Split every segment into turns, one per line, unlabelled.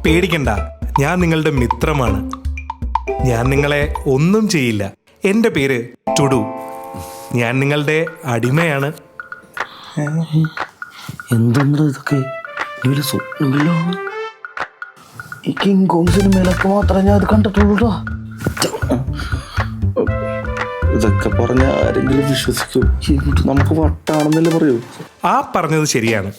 പേടിക്കണ്ട, ഞാൻ നിങ്ങളുടെ മിത്രമാണ്. ഞാൻ നിങ്ങളെ ഒന്നും ചെയ്യില്ല. എൻ്റെ പേര് ടുഡു. ഞാൻ നിങ്ങളുടെ അടിമയാണ്.
എന്തെന്നാ ഇതൊക്കെ? സ്വപ്നമല്ലോ. ഈ കിങ് കോങ് സിനിമയിലൊക്കെ മാത്രമേ ഞാൻ അത് കണ്ടിട്ടുള്ളൂ. ഇതൊക്കെ പറഞ്ഞ ആരെങ്കിലും വിശ്വസിക്കൂ? നമുക്ക് വട്ടാണെന്നല്ലേ പറയൂ.
ആ പറഞ്ഞത് ശരിയാണ്.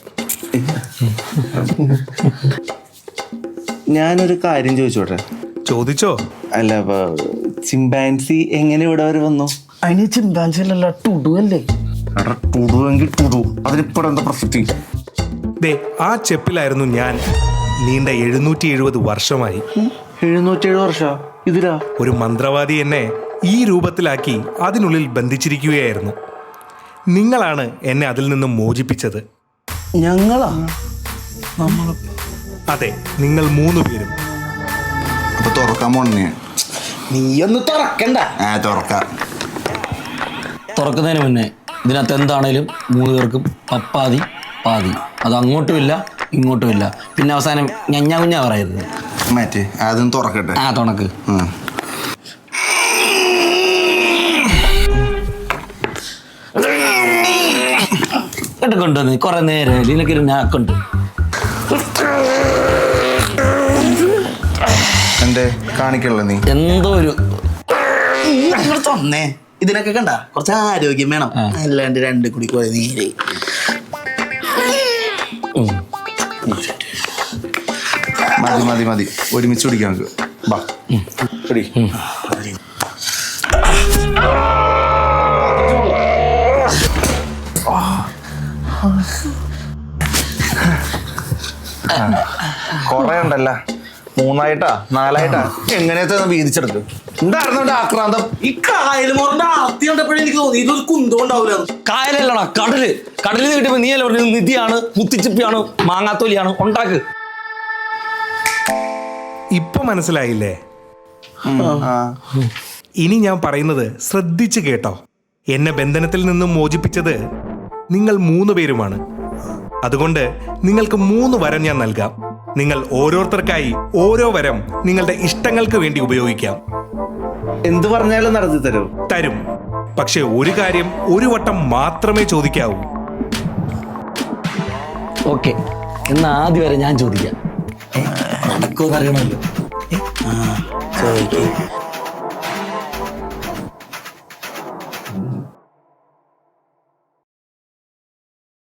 ഞാനൊരു കാര്യം ചോദിച്ചോട്ടെ?
ചോദിച്ചോ.
അല്ല, ചിമ്പാൻസി എങ്ങനെ ഇവിടെ വരെ വന്നു? അതിന് ചിമ്പാൻസി അല്ലല്ല, ടുഡു അല്ലേ? ടുഡുവെങ്കിൽ ടുഡു, അതിനിപ്പോ എന്താ പ്രസക്തി?
ദേ, ആ ചെപ്പിലായിരുന്നു ഞാൻ നീണ്ട 770 വർഷമായി.
707 വർഷം ഇതിലാ? ഒരു
മന്ത്രവാദി എന്നെ ഈ രൂപത്തിലാക്കി അതിനുള്ളിൽ ബന്ധിച്ചിരിക്കുകയായിരുന്നു. നിങ്ങളാണ് എന്നെ അതിൽ നിന്നും മോചിപ്പിച്ചത്.
ഞങ്ങളാ?
അതെ, നിങ്ങൾ 3 പേരും.
അപ്പൊ തുറക്കാൻ പോണേ?
നീയൊന്ന് തുറക്കണ്ട.
തുറക്കുന്നതിന് മുന്നേ ഇതിനകത്ത് എന്താണേലും 3 പേർക്കും പപ്പാതി പാതി. അത് അങ്ങോട്ടുമില്ല ഇങ്ങോട്ടുമില്ല. പിന്നെ അവസാനം ഞഞ്ഞാ കുഞ്ഞാ പറയരുത്.
മാറ്റി അതൊന്ന് തുറക്കട്ടെ.
ആ, തുണക്ക്. കൊണ്ടുവന്ന് കുറെ നേരം ഇതിനൊക്കെ നാക്കുണ്ട്.
എന്തേ കാണിക്കണല്ലോ നീ?
എന്തോ ഒരു
തൊന്നേ. ഇതിനൊക്കെ കണ്ട കുറച്ച് ആരോഗ്യം വേണം, അല്ലാണ്ട് 2 കുടി കുറെ നേരെ.
മതി മതി മതി, ഒരുമിച്ച് കുടിക്കാം നമുക്ക്. ബാ കുടി. കൊറേ ഉണ്ടല്ല, 3ആയിട്ടാ 4ആയിട്ടാ എങ്ങനെയാ വീതിച്ചെടുത്ത്? എന്തായിരുന്നു ആക്രാന്തം?
ഈ കായൽ മോറിന്റെ ആർത്തി കണ്ടപ്പോഴേ എനിക്ക് തോന്നി ഇതൊരു കുന്തം ഉണ്ടാവില്ല.
കായലല്ലടാ, കടല്. കടലിൽ കിട്ടുമ്പോ നീ അല്ല പറഞ്ഞത് നിധിയാണ്, മുത്തിച്ചിപ്പിയാണ്, മാങ്ങാത്തോലിയാണ്. ഉണ്ടാക്ക്.
ഇപ്പൊ മനസ്സിലായില്ലേ? ഇനി ഞാൻ പറയുന്നത് ശ്രദ്ധിച്ചു കേട്ടോ. എന്നെ ബന്ധനത്തിൽ നിന്നും മോചിപ്പിച്ചത് നിങ്ങൾ 3 പേരുമാണ്. അതുകൊണ്ട് നിങ്ങൾക്ക് 3 വരം ഞാൻ നൽകാം. നിങ്ങൾ ഓരോരുത്തർക്കായി ഓരോ വരം നിങ്ങളുടെ ഇഷ്ടങ്ങൾക്ക് വേണ്ടി ഉപയോഗിക്കാം.
എന്ത് പറഞ്ഞാലും നടത്തി
തരും. പക്ഷെ ഒരു കാര്യം ഒരു വട്ടം മാത്രമേ ചോദിക്കാവൂ.
ഓക്കെ, എന്നാ ആദ്യം വരെ ഞാൻ ചോദിക്കാം. നടക്കുമെന്ന് അറിയണമല്ലോ.